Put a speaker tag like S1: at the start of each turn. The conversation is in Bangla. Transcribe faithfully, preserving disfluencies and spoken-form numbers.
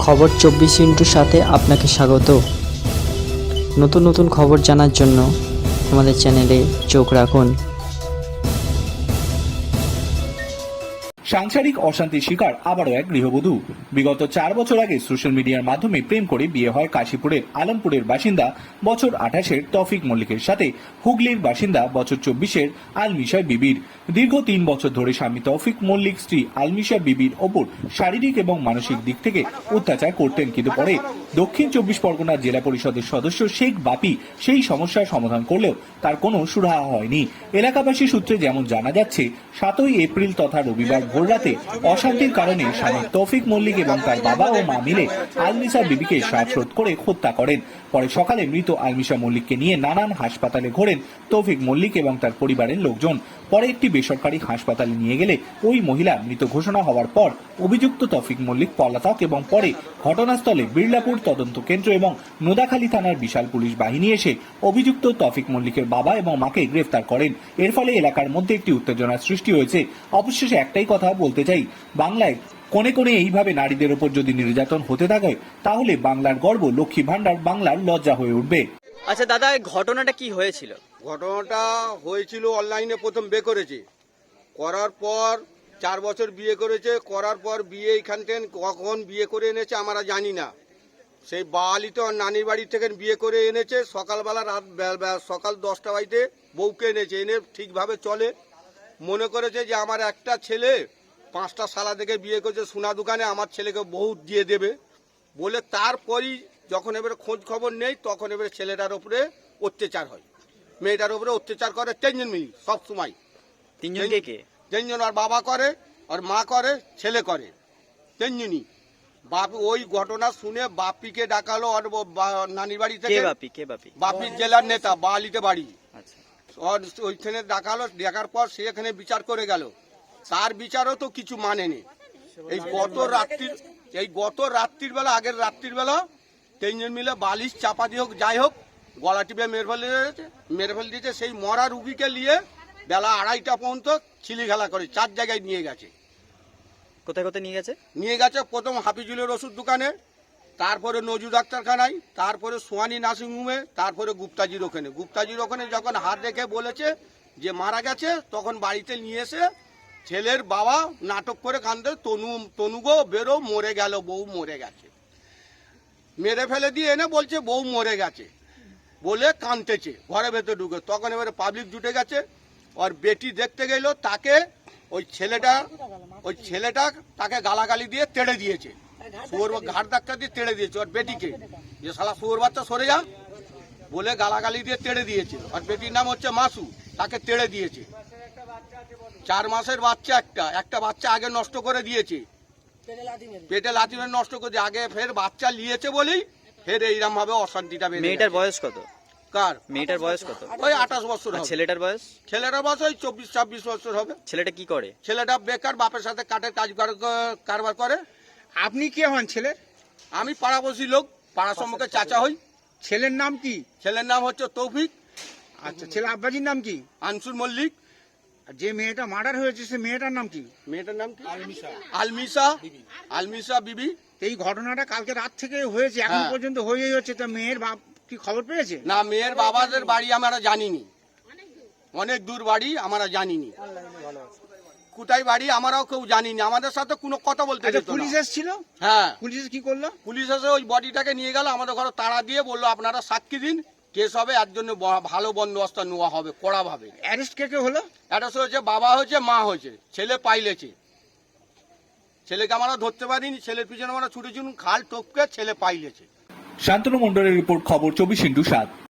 S1: খবর চব্বিশ ইন্টুর সাথে আপনাকে স্বাগত। নতুন নতুন খবর জানার জন্য আমাদের চ্যানেলে চোখ রাখুন।
S2: সাংসারিক অশান্তির শিকার আবারও এক গৃহবধূ। বিগত চার বছর আগে সোশ্যাল মিডিয়ার মাধ্যমে প্রেম করে বিয়ে হয় কাশীপুরের আলমপুরের বাসিন্দা বছর আঠাশের তৌফিক মল্লিকের সাথে হুগলির বাসিন্দা বছর চব্বিশের আলমিশা বিবির। দীর্ঘ তিন বছর ধরে স্বামী তৌফিক মল্লিক স্ত্রী আলমিশা বিবির ওপর শারীরিক এবং মানসিক দিক থেকে অত্যাচার করতেন, কিন্তু পরে দক্ষিণ চব্বিশ পরগনার জেলা পরিষদের সদস্য শেখ বাপি সেই সমস্যার সমাধান করলেও তার কোনো সুরাহা হয়নি। এলাকাবাসী সূত্রে যেমন জানা যাচ্ছে, সাতই এপ্রিল তথা রবিবার ভোররাতে অশান্তির কারণে স্বামী তৌফিক মল্লিক এবং তার বাবা ও মা মিলে আলমিশা বিবিকে শ্বাসরোধ করে হত্যা করেন। পরে সকালে মৃত আলমিশা মল্লিককে নিয়ে নানান হাসপাতালে ঘোরেন তৌফিক মল্লিক এবং তার পরিবারের লোকজন। পরে একটি বেসরকারি হাসপাতালে নিয়ে গেলে ওই মহিলা মৃত ঘোষণা হওয়ার পর অভিযুক্ত তৌফিক মল্লিক পলাতক এবং পরে ঘটনাস্থলে বিড়লাপুর তদন্ত কেন্দ্র এবং নোদাখালী থানার বিশাল পুলিশ বাহিনী এসে অভিযুক্ত তৌফিক মল্লিকের বাবা এবং মাকে গ্রেফতার করেন। এর ফলে এলাকার মধ্যে একটি উত্তেজনার সৃষ্টি হয়েছে। অবশেষে একটাই কথা বলতে চাই, বাংলায় কোণে কোণে এইভাবে নারীদের ওপর যদি নির্যাতন হতে থাকে তাহলে বাংলার গর্ব লক্ষ্মী ভান্ডার বাংলার লজ্জা হয়ে উঠবে।
S3: আচ্ছা দাদা, ঘটনাটা কি হয়েছিল?
S4: ঘটনাটা হয়েছিল অনলাইনে প্রথম বিয়ে করেছে, করার পর চার বছর বিয়ে করেছে, করার পর বিয়ে এইখান থেকে কখন বিয়ে করে এনেছে আমরা জানি না। সেই বালিতে নানির বাড়ি থেকে বিয়ে করে এনেছে, সকালবেলা রাত সকাল দশটা বাড়িতে বউকে এনেছে, এনে ঠিকভাবে চলে মনে করেছে যে আমার একটা ছেলে পাঁচটা শালা থেকে বিয়ে করেছে, সোনা দোকানে আমার ছেলেকে বউ দিয়ে দেবে বলে, তারপরই যখন এবারে খোঁজ খবর নেই তখন এবারে ছেলেটার উপরে অত্যাচার হয়, মেয়েটার উপরে অত্যাচার করে তিনজন মিলি সব সময়।
S3: তিনজন কে কে?
S4: তিনজন, আর বাবা করে, আর মা করে, ছেলে করে, তিনজনই। বাপ ওই ঘটনা শুনে বাপিকে ডাকালো আর নানির বাড়ি থেকে।
S3: বাপি কে? বাপি
S4: বাপি জেলার নেতা, বালিতে বাড়ি।
S3: আচ্ছা,
S4: ওইখানে ডাকালো, দেখার পর সে এখানে বিচার করে গেল। তার বিচারও তো কিছু মানেনি। এই গত রাত্রির এই গত রাত্রির বেলা আগের রাত্রির বেলা তিনজন মিলে বালিশ চাপা দিয়ে হোক যাই হোক গলা টিপে মেরে ফেলে দিয়েছে মেরে ফেলে দিয়েছে সেই মরা রুগীকে নিয়ে বেলা আড়াইটা পর্যন্ত ছিলি খেলা করে চার জায়গায় নিয়ে গেছে।
S3: কোথায় কোথায় নিয়ে গেছে? নিয়ে
S4: গেছে প্রথম হাফিজুলের ওষুধ দোকানে, তারপরে নজরু ডাক্তারখানায়, তারপরে সোয়ানি নার্সিংহোমে, তারপরে গুপ্তাজির ওখানে। গুপ্তাজির ওখানে যখন হাত রেখে বলেছে যে মারা গেছে, তখন বাড়িতে নিয়ে এসে ছেলের বাবা নাটক করে কান্দে, তনু তনুগো বেরো, মরে গেল, বউ মরে গেছে। মেরে ফেলে দিয়ে এনে বলছে বউ মরে গেছে বলে কাঁদতেছে ঘরে ভেতরে ঢুকে। তখন এবারে পাবলিক জুটে গেছে, আর বেটি দেখতে গেল, তাকে ওই ছেলেটা ওই ছেলেটা তাকে গালাগালি দিয়ে তেড়ে দিয়েছে, শুয়োর ঘাট ধাক্কা দিয়ে তেড়ে দিয়েছে। আর বেটিকে যে শালা শুয়োর বাচ্চা সরে যা বলে গালাগালি দিয়ে তেড়ে দিয়েছে। আর বেটির নাম হচ্ছে মাসু, তাকে তেড়ে দিয়েছে। চার মাসের বাচ্চা, একটা একটা বাচ্চা আগে নষ্ট করে দিয়েছে, পেটে লাথি মেরে নষ্ট করে দিয়ে, আগে ফের বাচ্চা নিয়েছে বলেই ফের এইরকম ভাবে অশান্তিটা বেড়ে।
S3: মেয়েটার বয়স কত?
S4: কার?
S3: মেয়েটার বয়স কত?
S4: ওই আঠাশ বছর।
S3: ছেলেটার বয়স?
S4: ছেলেটার বয়স ওই চব্বিশ ছাব্বিশ বছর হবে।
S3: ছেলেটা কি করে? ছেলেটা
S4: বেকার, বাপের সাথে কাঠের কাজ কারবার করে।
S5: আপনি কে হন ছেলের?
S4: আমি পাড়াবসী লোক, পাড়ার সম্মুখে চাচা হই।
S5: ছেলের নাম কি?
S4: ছেলের নাম হচ্ছে তৌফিক।
S5: আচ্ছা, ছেলে আব্বাজির নাম কি?
S4: আনসুর মল্লিক।
S5: আর যে মেয়েটা মার্ডার হয়েছে সে মেয়েটার নাম কি?
S4: মেয়েটার নাম কি? আলমিশা। আলমিশা আলমিশা বিবি।
S5: এই ঘটনাটা কালকে রাত থেকে হয়েছে, এখন পর্যন্ত হয়েই হচ্ছে। তা মেয়ের বাপ কি খবর পেয়েছে?
S4: না, মেয়ের বাবাদের বাড়ি আমরা জানিনি, অনেক দূর বাড়ি আমরা জানিনি, কোথায় বাড়ি আমরাও কেউ জানিনি, আমাদের সাথে কোনো কথা বলতে যেত না।
S5: পুলিশ এসেছিল?
S4: হ্যাঁ।
S5: পুলিশ কি করলো?
S4: পুলিশ এসে ওই বডিটাকে নিয়ে গেল, আমাদের ঘরে তাড়া দিয়ে বললো আপনারা সাক্ষী দিন, কেস হবে, এর জন্য ভালো বন্দোবস্ত নেওয়া হবে কড়াভাবে।
S5: অ্যারেস্ট কে কে হলো?
S4: অ্যারেস্ট হয়েছে, বাবা হয়েছে, মা হয়েছে, ছেলে পাইলেছে। ছেলেকে আমরা ধরতে পারিনি, ছেলের পিছনে আমরা ছুটেছি, খাল টপকে ছেলে পাইলেছে।
S2: শান্তনু মণ্ডলের রিপোর্ট, খবর চব্বিশ ইন্টু সাত।